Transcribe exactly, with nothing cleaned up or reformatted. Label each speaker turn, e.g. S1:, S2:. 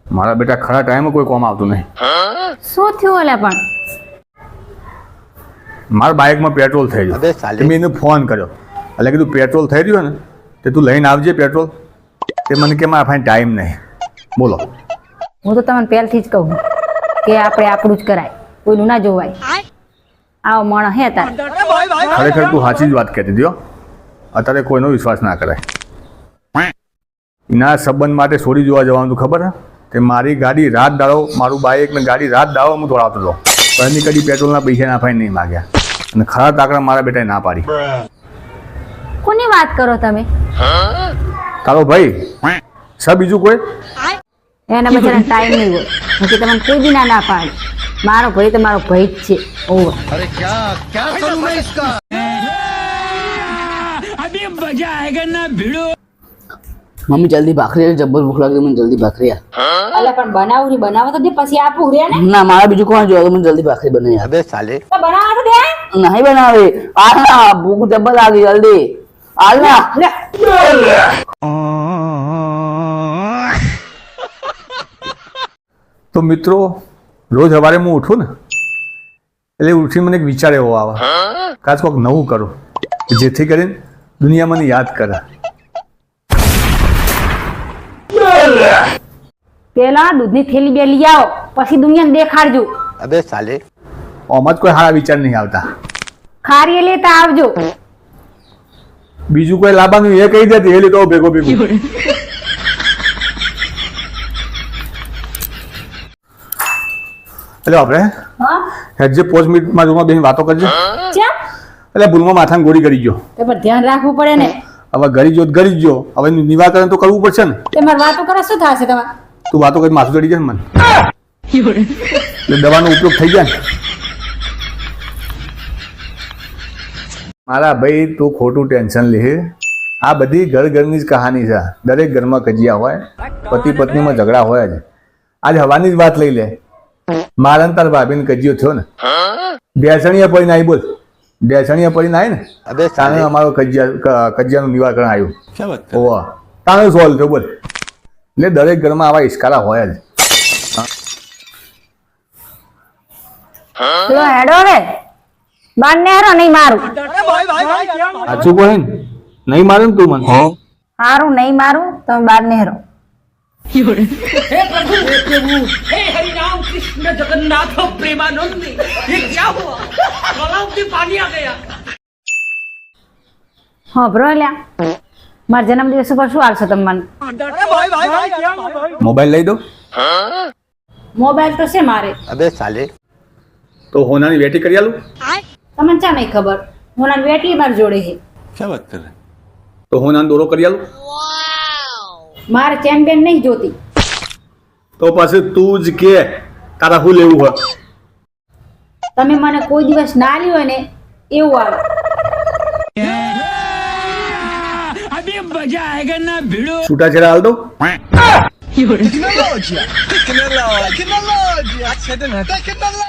S1: મારા બેટા ખરા ટાઈમે કોઈ કોમ આવતું નહીં.
S2: શું થયું ઓલા પણ?
S1: મારા બાઇકમાં પેટ્રોલ થઈ ગયું. મેં એને ફોન કર્યો એટલે કીધું પેટ્રોલ થઈ રહ્યું ને તે તું લઈને આવજે પેટ્રોલ. તે મને કે મારા પાસે ટાઈમ નહીં. બોલો.
S2: હું તો તમને પહેલથી જ કહું કે આપણે આપણું જ કરાય, કોઈનું ના જોવાય. આવો માણસ હે તાર.
S1: ખરેખર તું સાચી જ વાત કહેતી હતી. અત્યારે કોઈનો વિશ્વાસ ના કરાય. એના સંબંધ માટે છોડી જોવા જવાનું તું ખબર હે કે મારી ગાડી રાત દાડો મારું બાઇક ને ગાડી રાત દાડો હું દોડાવતો હતો. પણ એની કદી પેટ્રોલના પૈસા ના ફાઈને નહીં માગ્યા અને ખરા તાકડા મારા બેટાએ ના પાડી.
S2: કોની વાત કરો તમે?
S1: તારો ભાઈ સર બીજું કોઈ
S2: એના બચારાને ટાઈમ નહીં હોય. બાકી તમને કોઈ બી ના ના પાડે. મારો ભાઈ તો મારો ભાઈ જ છે. ઓવર.
S3: अरे क्या क्या करूं मैं इसका अभी मजा आएगा ना भिड़ो.
S4: मम्मी जल्दी भाखरी जब्बर भूख लागी મને જલ્દી ભાખરી આ.
S2: અલે પણ બનાવું ની બનાવો તો દે પછી આપું રે ને.
S4: ના મારા બીજું કોણ જોવે મને જલ્દી ભાખરી બનાવી.
S3: अबे साले
S2: તો બનાવો તો દે.
S4: નહીં બનાવે. આ ના ભૂખ જબ્બર લાગી જલ્દી. હાલ ના લે.
S1: તો મિત્રો રોજ સવારે હું ઉઠું ને એટલે ઉઠી મને એક વિચાર એવો આવે કાચ કોઈક નવું કરું જેથી કરીને દુનિયા મને યાદ કરે.
S2: પેલા દૂધની થેલી બે લઈ આવો પછી દુનિયાને દેખાડજો.
S3: अबे साले
S1: આમાં જ કોઈ સારા વિચાર નહીં આવતા.
S2: ખારી લેતા આવજો.
S1: બીજું કોઈ લાવવાનું એ કહી દેતી એ લીધો ભેગો ભેગો. એટલે આપણે
S2: હા
S1: હેડજે પાંચ મિનિટમાં રૂમમાં બેસીને વાતો કરજે.
S2: ચા
S1: એટલે ભૂલમાં માથાને ગોળી કરી ગયો.
S2: તે પર ધ્યાન રાખવું પડે ને.
S1: હવે ગરી જો ગરી જો હવે એનું નિવારણ તો કરવું પડશે ને.
S2: તે માર વાતો કરે શું થશે તમારે?
S1: તું વાતો કરી માથું ચડી જાય ને મને એટલે દવાનો ઉપયોગ થઈ જાય ને. મારા ભાઈ તું ખોટું ટેન્શન લે. આ બધી ઘર ઘરની જ કહાની છે. દરેક ઘરમાં કજિયા હોય, પતિ પત્નીમાં ઝઘડા હોય જ. આજ હવાની જ વાત લઈ લે. મારા તાર ભાભીને કજિયો થયો ને બેસણીયા પડીને આવી. બોલ બેસણીયા પડીને આવી ને
S3: अबे
S1: તાણે
S3: साले
S1: અમારો કજિયા કજિયાનું નિવારણ આવ્યું.
S3: क्या बात
S1: ઓવા તાણે સોલ્વ થયો. બોલ એટલે દરેક ઘરમાં આવા ઇસ્કારા હોય જ.
S2: લો હેડો રે બાર ને હારો નહીં મારું.
S1: સાચું કહે ને નહીં મારે ને તું મને.
S2: હારું નહીં મારું તમે બાર ને હારો.
S5: हे प्रभु हे प्रभु हे हरि राम कृष्ण जगन्नाथ प्रेमानंद ये क्या हुआ गलाव में पानी आ गया.
S2: હા બ્રો લ્યા મારા જન્મદિવસ ઉપર શું આવશે તમે મને?
S1: મોબાઈલ લઈ દો.
S2: મોબાઈલ તો છે મારે.
S3: अबे साले
S1: તો હોનાની વેટી કરી આલું.
S2: તમને ચા નહીં ખબર હું ના વેટી મારી જોડે છે.
S3: क्या बात कर रहे
S1: તો હોનાનો દોરો કરી આલું.
S2: મારે ચેમ્પિયન નહીં જોતી.
S1: તો પછી તું જ કે તારા શું લેવું હોય.
S2: તમે મને કોઈ દિવસ ના લ્યો ને એવું આવે.
S5: अभी मजा आएगा ना भिड़ो.
S1: છૂટાછેડા હાલ દો.